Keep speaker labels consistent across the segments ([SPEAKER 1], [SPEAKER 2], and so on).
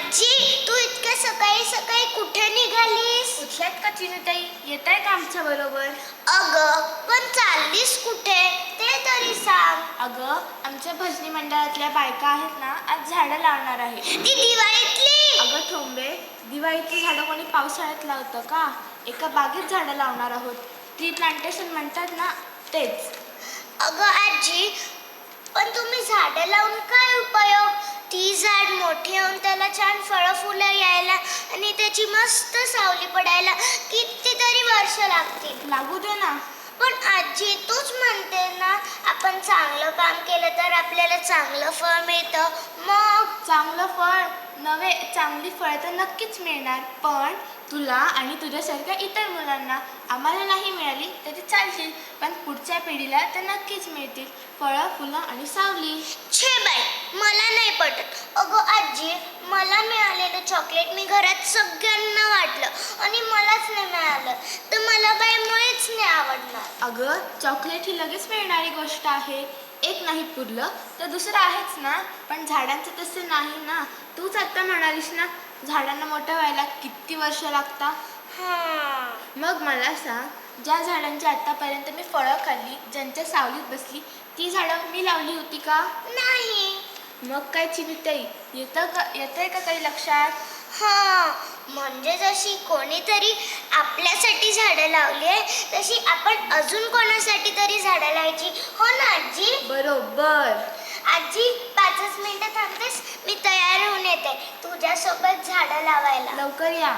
[SPEAKER 1] आजी, तू इतक्या सकाळी सकाळी कुठे निघालीस?
[SPEAKER 2] उठल्यात का चिनुताई? येत आहे का आमच्या बरोबर?
[SPEAKER 1] अगं, पण चाललीस कुठे ते तरी सांग.
[SPEAKER 2] अगं, आमच्या भजनी मंडळातल्या बायका आहेत ना, आज झाडं लावणार आहे.
[SPEAKER 1] ती दिवाळीतली?
[SPEAKER 2] अगं ठोंबे, दिवाळीतली झाडं कोणी पावसाळ्यात लावतं का? एका बागेत झाडं लावणार आहोत. ट्री प्लांटेशन म्हणतात ना, तेच.
[SPEAKER 1] अगं आजी, पण तुम्ही झाडं लावून काय उपयोग? ती झाड मोठी होऊन त्याला छान फळं फुलं यायला आणि त्याची मस्त सावली पडायला कितीतरी वर्ष लागतील.
[SPEAKER 2] लागू दे ना.
[SPEAKER 1] पण आजी, तूच म्हणते ना, आपण चांगलं काम केलं तर आपल्याला चांगलं फळ मिळतं. मग
[SPEAKER 2] चांगलं फळ नव्हे, चांगली फळ तर नक्कीच मिळणार, पण तुला आणि तुझ्यासारख्या इतर मुलांना. आम्हाला नाही मिळाली तरी चालतील, पण पुढच्या पिढीला तर नक्कीच मिळतील फळं, फुलं आणि सावली.
[SPEAKER 1] छे बाई, मला नाही पटत. अगं आजी, मला मिळालेलं चॉकलेट मी घरात सगळ्यांना वाटलं आणि मलाच नाही मिळालं तर मला बाई मुळेच नाही आवडणार.
[SPEAKER 2] अगं, चॉकलेट ही लगेच मिळणारी गोष्ट आहे. एक नाही पुरलं तर दुसरं आहेच ना. पण झाडांचं तसं नाही ना. तूच आता म्हणालीस ना, झाडांना मोठं व्हायला किती वर्ष लागतात. मग मला सांग, ज्या झाडांची आतापर्यंत मी फळं खाल्ली, ज्यांच्या सावलीत बसली, ती झाडं मी लावली होती का?
[SPEAKER 1] नाही.
[SPEAKER 2] मग काय चिनुताई, येतंय का काही लक्षात?
[SPEAKER 1] म्हणजे जशी कोणीतरी आपल्यासाठी झाडं लावली आहे, तशी आपण अजून कोणासाठी तरी झाडं लावायची. हो ना आजी?
[SPEAKER 2] बरोबर.
[SPEAKER 1] आजी, 5 मिनिटं थांबतेस? मी तयार होऊन येते तुझ्यासोबत झाडं लावायला.
[SPEAKER 2] लवकर या.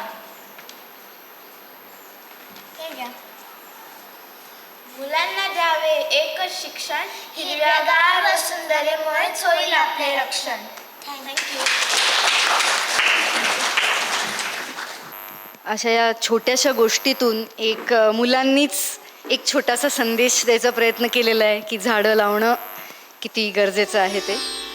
[SPEAKER 2] हे घ्या. मुलांना द्यावे एकच शिक्षण, हिरव्यागार वसुंधरेमुळेच होईल आपले रक्षण. थँक्यू.
[SPEAKER 3] अशा या छोट्याशा गोष्टीतून एक मुलांनीच एक छोटासा संदेश द्यायचा प्रयत्न केलेला आहे की झाडं लावणं किती गरजेचं आहे ते.